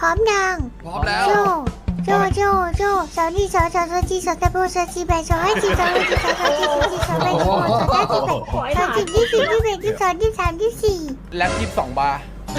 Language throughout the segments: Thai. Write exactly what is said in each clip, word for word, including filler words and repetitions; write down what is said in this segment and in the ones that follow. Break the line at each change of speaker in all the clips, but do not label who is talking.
ร้อมยัง
พร้อมแล้ว
โจโจโจโจสาวนี่สาวสาวสาวจีสาวตะโบสาวจีแบสาวให้จีสาวให้จีสาวสาวจีสาวจีสาวแบสาวสาวจีแบสาวจีที่สี่ที่แบที่สองที่สามที่สี่
แล็บยี่สิบสองบาร์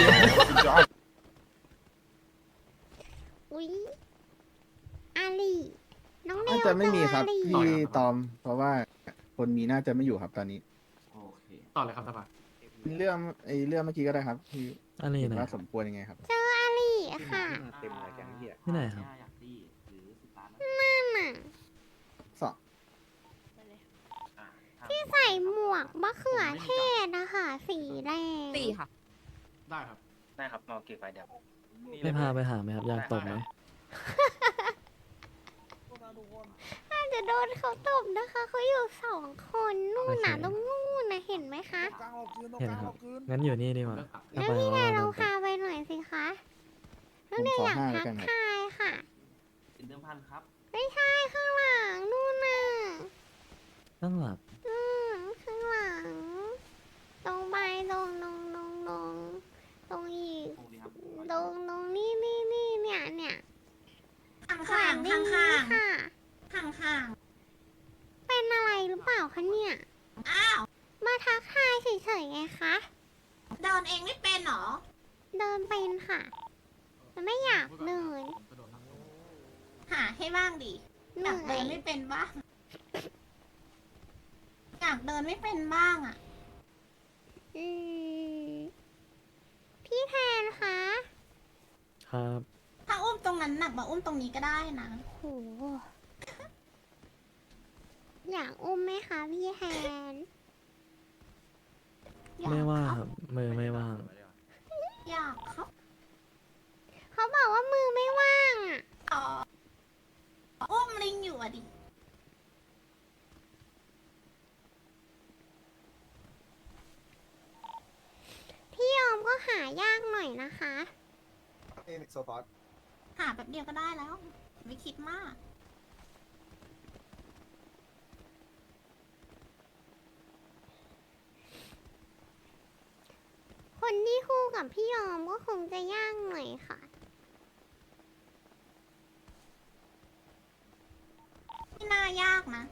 อุ้ยอาลีน้องเนว
น่าจะไม่มีครับ
อาลี
พี่ตอม เพราะว่าคนมีน่าจะไม่อยู่ครับตอนนี้
โอเค
ต่อเลยครับสภา
เรื่องไอ้เรื่องเมื่อกี้ก็ได้ครับที่
อันนี้
เห็น
ไหน
ว่าสมควรยังไงครับ
เจออาลีค่ะ
เต็มเลยแกงเหี้ย
ที่ไหนครับ
อยากดีหรือสิบล้าน
นั่นน่ะ
สอง
ที่ใส่หมวกมะเขือเทศนะคะสีแดง
สี่ค่ะ
ได้ครับ
ได้ครับรอเก็บไว้เดี๋ยว
ไม่พาไปหาไหมครับ อยากตบไหม
น่าจะโดนเขาตบนะคะเขาอยู่สองคนนู่นน่ะ
โอเค
ตรงนู่นน่ะเห็นไหมคะ
เห็นครับ งั้นอยู่นี่ดีกว่า
เลิกครับ
ถ้า
แล้ว
ไป
พี่แน
ว่าน
เรา
โดนต
พา
บ
ไปหน่อยสิคะ
ผ
น้อง
ม
เนย
ขอ
อยาก
ห้า
ทั
แล้ว
ก
กันครับ
ทายค่ะ
เป็นเดิมพันครับ
ไม่ใช่ข้างหลังนู่นน่ะ
ตั้งหลัก
อืมข้างหลัง ตรงไปตรงตรงตรงตรงตรงอีก
ตรงนี้ครับ
ตรงตรงนี่นี่นี่เนี่ยเนี่ย
ข้างข้างข้างข้าง
ค่ะ
ข้างข้าง
เป็นอะไรหรือเปล่าคะเนี่ย
อ้าว
มาทักทายเฉยๆไงคะ
เดินเองไม่เป็นเหรอ
เดินเป็นค่ะแต่ไม่อยากเดิน
หาให้บ้างดิ
เห
อยาก
นื่
เดิ
อย
นไม่เป็นบ้าง อยากเดินไม่เป็นบ้างอ่ะ
อืมพี่แทนคะ
ครับ
ถ้าอุ้มตรงนั้นหนักมาอุ้มตรงนี้ก็ได้นะ
โห อยากอุ้มไหมคะพี่แทน
อยาก
ไม่ว่าง
ค
ครับ รับ มือไม่ว่าง
อยากครับ
เขาบอกว่ามือไม่ว่างอ่ะ
อ๋ออุ้มลิงอยู่อ่ะดิ
พี่ยอมก็หายากหน่อยนะคะ
โซฟอส
หาแบบเดียวก็ได้แล้ว ไม่คิดมาก
คนที่คู่กับพี่ยอมก็คงจะยากหน่อยค่ะ
ไม่น่ายากนะ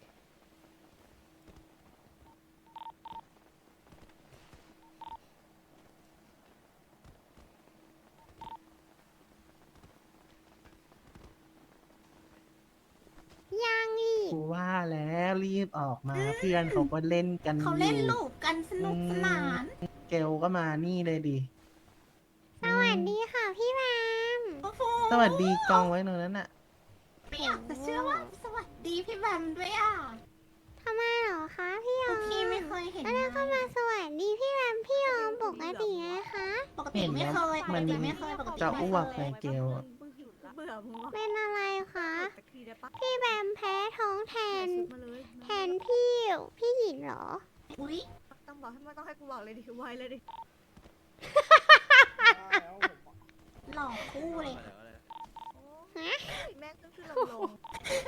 ยังอีก
กูว่าแล้วรีบออกมาเพื่อนเขาก็เล่นกัน
เขา
อ
เล่น
ยู่
ลูกกันสนุกสนาน
เกลก็มานี่เลยดิ
สวัสดีค่ะพี่แมม
โอ้โห
สวัสดีกองไว้ตรงนั้นน่ะ
ไม่อยากจะเชื่อว่าสวัสดีพี่แบมด้วยอ่ะ
ทำไมเหรอคะพี่ยอ
ทุ
ม
กทีไม่เคยเห็น
แล้วเราก็
นะ
มาสวัสดีพี่แมมพี่ยอมปกติไงคะ
ปกติไม่เคยป
มั
ก
น
ติไม่เคยปกติ
จะ
ไม่
อ้
เคว
ก
ย
ในเกลอะ
เบื่อมึงวะ
เป็นอะไรคะ
สักทีได้ปะ
พี่แบมแพ้ท้องแทน
ชุดมาเลย
แทนพี่พี่หยินเหรอ
อุ้ย
ต้องบอกให้ไม่ต้องให้กูบอกเลยดิไวเลยดิ
หล่อคู่เลย
ฮะ
แม่งขึ้นขึ้นลงลง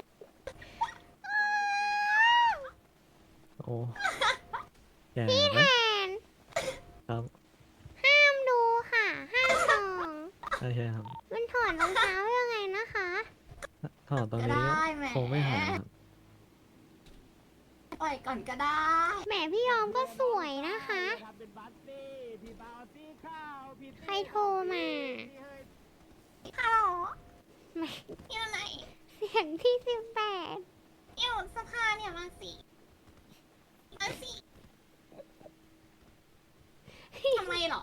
โอ้แก่
พี่
ไหม
แทน
ครับ
ห้ามดูค่ะ ห้ามส่อง
โอเคครับ
มันถอดรองเท้ายังไงนะคะ
ถอดตรง
ก็
นี้
ได้แหม
คงไม่หายครับ
ปล่อยก่อนก็ได้
แหมพี่ยอมก็สวยนะคะ ใครโทรมา
ฮัลโหล
แหม
อยู่ไหน
เสียงที่สิบแปด
อยู่สภาเนี่ยมาสิมาสิทำไมเหรอ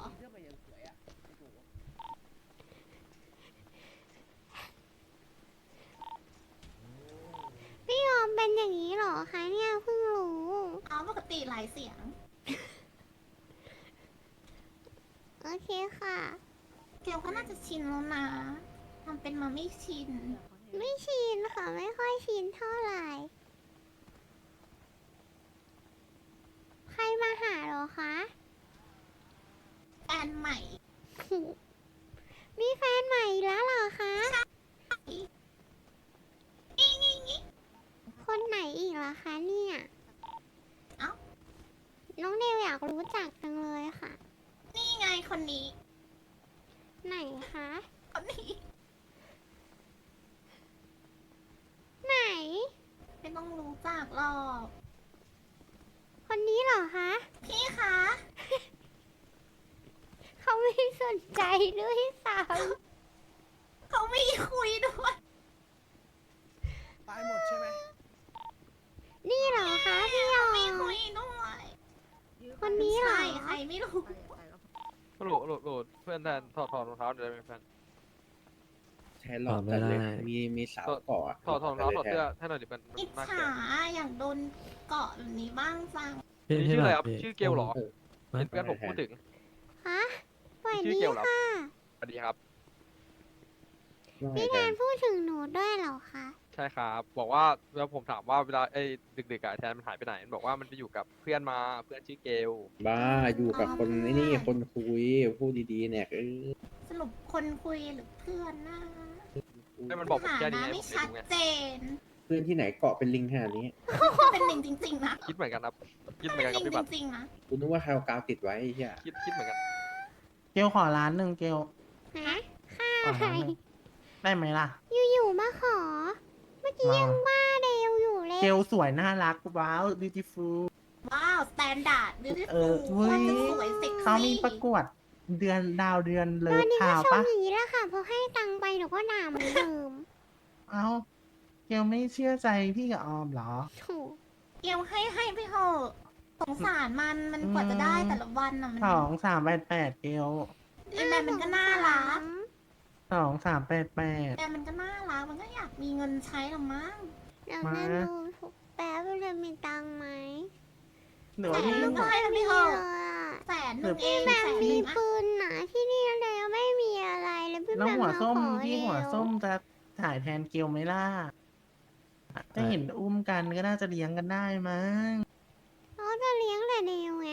พี่ยอมเป็นอย่างนี้เหรอคะเนี่ยเพิ่งรู้
เอาปกติหลายเสียง
โอเคค่ะ
เกลก็น่าจะชินแล้วนะทำเป็นมาไม่ชิน
ไม่ชินค่ะ ไม่ค่อยชินเท่าไหร่ ใครมาหาเหรอคะ
แฟนใหม่
มีแฟนใหม่อีกแล้วเหรอคะ
นี่นี่นี่
คนไหนอีกล่ะคะเนี่ย
เอ้า
น้องเดวอยากรู้จักจังเลยค่ะ
นี่ไงคนนี้
ไหนคะ
คนนี้
ไหน
ไม่ต้องรู้จักหรอก
คนนี้เหรอคะ
พี่คะ
เขาไม่สนใจด้วยซ้
เขาไม่คุยด้วย
ตายหมดใช่ไหม
ำนี่เหรอคะพี่ยอ
ไม่
ม
คุยด้วย
คนนี้เหรอ
ใช่ใครไม่รู้
โหลดโหลดโหลดเพื่อนแทนถอดถอดรองเท้าเดี๋ยวได้ไหมเพื่อน
ใช้หลอกกันเลย มีมีสาวเกาะ
ถอดถอดรองเท้าถอดเสื้อให้หน่อยดิเป็น
อิจ
น่าเกลี
ฉาย
ด
อยากโดนเกาะแบบนี้บ้างจัง
พี่
นี่
พี่
ชื่ออะไร
ห
ค
ลั
รับ
พี่
ชื่อเกลเหรอ
ฮะ
เห็นเพื่อนผมพูดถึง
ฮะสวัส
ชื่อ
ดี
เกลเหรอ
ค่ะ
สวัสดีครับ
พี่แทนพูดถึงหนูด้วยเหรอคะ
ใช่ครับ บอกว่าเวลาผมถามว่าเวลาไอ้ดึกๆอะแทนมันหายไปไหนมันบอกว่ามันไปอยู่กับเพื่อนมาเพื่อนชื่อเกล
บ้าอยู่กับคนไอ้นี่คนคุยพูดดีๆเนี่ยเออ
สรุปคนคุยหรือเพื่อนนะ
ให้มันบอกผม
หา
แค่นี้
นะ
ไง
ไม่
ผมไม่
ชัด
รู้ไง
เจน
เพื่อนที่ไหนเกาะเป็นลิงขนาดนี้
เป็นหนึ่งจริงๆนะ
คิดเหมือนกันครับคิดเหมื
เป็
อน
น
กัน
ห
กับ
นึ่ง
พี่บัตร
จริงๆนะ
กูนึกว่าใครเอากาวติดไว้ไอ้เหี้ย
คิดคิดเหมือนกัน
เกลขอร้านหนึ่งเกล
ฮะค่า
ขอ
อะไร
ร้านหนึ่งได้ไหมล่ะ
อยู่ๆมาขอ เมื่อกี้
มา
ยังว่าเดวอยู่เลย
เกลสวยน่ารักว้าว beautiful
ว้าว สแตนดาร์ดบิวตี้
เอ
ฟู
อ
ล
เว้
ว่าย จะสวยเซ็ก
เขามี
ซี่
ประกวดเดือนดาวเดือนเลิ
ตอ
ฟ
นนี้
ทา
ก็
ว
ชม
ปะ
อย่างนี้แหละค่ะพอให้ตังค์ไปหนูก็ด่าเหมือนเดิม
เอ้าเกลไม่เชื่อใจพี่กับออมเหรอ
โถู
เกลให้ให้ไปเถอะสงสารมันมันกว่าจะได้แต่ละวันน่ะมัน
สองสามแปดแปดเกล
ไอ้แม่มันก็น่ารัก
สองสามแปดแปด
แต่มันก็น่ารักมันก็อยากมีเงินใช้หรอมั้ง
เดี๋ยว
มา
แม่ดูถูกแป๊บว่าจะมีตังค์ไหม
หรือ
แต่
ว่าพี่
มันก็ให้มันไป
ไม่
เถ
มี
อะ
เลยอะ
แสนหนึ่งเอง
แบบ
แสนห
มี
นึ่งอะ
ปืนหนาที่นี่แล้วไม่มีอะไรแล้วพี่
แล้ว
แบบ
หัว
มา
ส้ม
ขอ
พี่หัว
เร็
ส้มจะถ่ายแทนเกลไหมล่ะถ้าเห็นอุ้มกันก็น่าจะเลี้ยงกันได้มั้ง
เขาจะเลี้ยงแต่เดวไง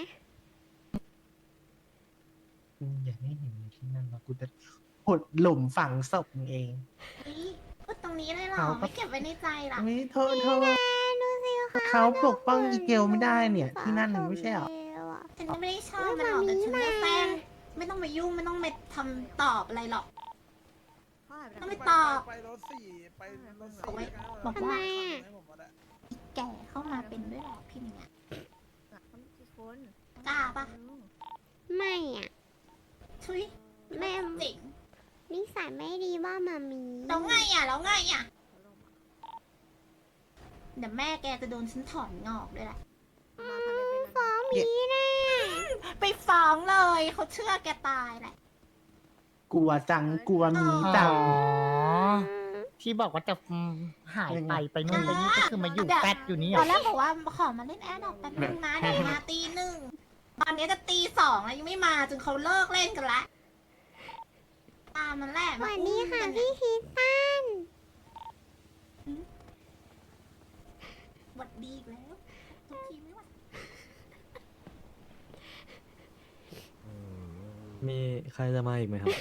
อืมอย่าให้เห็นที่นั่นนะกูจะขุดหลุมฝังศพมึงเอง
เฮ้ยพูดตรงนี้เลยเหรอ
เขาก็
ไม่เก็บไว้ในใจล่ะ
ไม่โทษโทษ
แม่ดูสิคะ
เขาปกป้องอีเกลไม่ได้เนี่ย ที่นั่นหนึ่งไม่ใช่เหรอ
ฉันก็ไม่ได้ชอบมันหรอกแต่ฉันจะแซงไม่ต้องมายุ่งไม่ต้องมาทำตอบอะไรหรอก
เขาหายไป
ต้อง
ไหน
ไปตอบ
ไปรถสี่ไปรถ
เอา
สี่
ไว้บอกว่า
ให้ผมก็ได้
แก่เข้ามาเป็นด้วยเหรอพี่เนี่ย
เขาไม่กี่คน
กล้าปะ
ไม่อ่ะ
ชุย
แม่
เจ๋ง
นิสัยไม่ดีว่ามามี
แล้วไงอ่ะแล้วไงอ่ะเดี๋ยวแม่แกจะโดนฉันถอนงอกด้วยแหละ
มาทำเป็นเป็น
ฟ้องหมีแน่
ไปฟ้องเลยเขาเชื่อแกตายแหละ
กลัวจังกลัวมีจัง
ที่บอกว่าจะอืมหายไปไปนู่นไปนี่ก็คือมาอยู่
เดี๋ยว
แฟดอยู่นี่
ต
เหร
อ
อน
แรกบอกว่าขอมาเล่นแอดดอกแป๊บนึงนะเดี๋ยวมาตีหนึ่งตอนนี้จะตีสองแล้วยังไม่มาจนเขาเลิกเล่นกันละตามมันแหละ
ส
มา
วัส
อุ้
ดี
ม
ค่ะ
กัน
พี่คิดตัน
หวัดดีอีกแล้วทุกทีไม่หวัด
มีใครจะมาอีกไหมครับ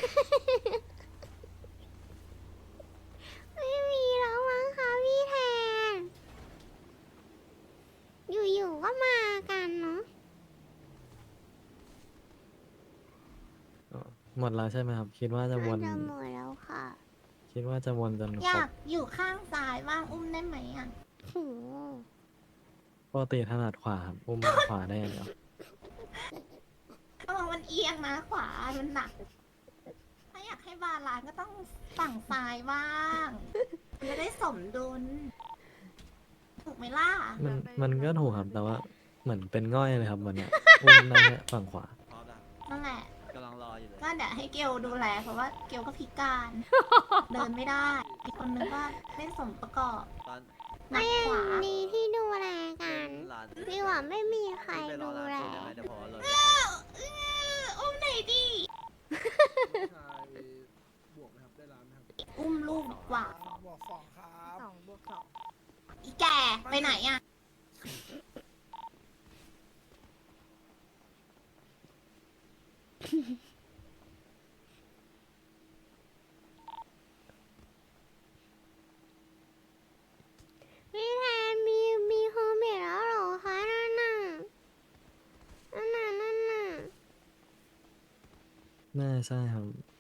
ไม่มีแล้วมั้งคะพี่แทน อยู่ๆก็มากันเนาะ
หมดแล้วใช่ไหมครับ คิดว่าจะวน
น่าจะหมดแล้วค่ะ
คิดว่าจะวนจน
อ
คร
ยา
บ
กอยู่ข้างซ้ายบ้างอุ้มได้ไหมอ่ะ
โห
ปกติถนัดขวาครับอุ้มขวาได้อย่างเดียว
ระวังมันเอียงนะขวา มันหนัก ถ้าอยากให้บาลานซ์ก็ต้องฝั่งซ้ายบ้างมันจะได้สมดุล ถูกไหมล่ะ
มันมันก็ถูกครับ แต่ว่าเหมือนเป็นง่อยเลยครับวันเนี้ยอุ้มได้แค่ฝั่งขวา
นั่นแหละ
กำลังรออยู่เลย
ก็เดี๋ยวให้เกลดูแลเพราะว่าเกลก็พิการ เดินไม่ได้ อีกคนนึงก็ไม่สมประกอบ
ตอน
หนักขวา
ดีที่ดูแลกัน
หลาน
พี่ว่าไม่มีใคร
ไปร
ดู
อร้าน
แล
สูตรได้ไหมเดี๋ยวพอรถ
อุ้มไหนอยดี
ชายบวกไหมครับ ได้ร้านไหมครับ
อุ้มลูกดีกว่า
บวกสองครับ
สองบวกสอง
อีแกไปไหนอ่ะ
พี่แทนมีมีโฮมเมดแล้วเหรอคะนั่นน่ะนั่นน่ะนั่นน่ะ
น่าใช่ครับ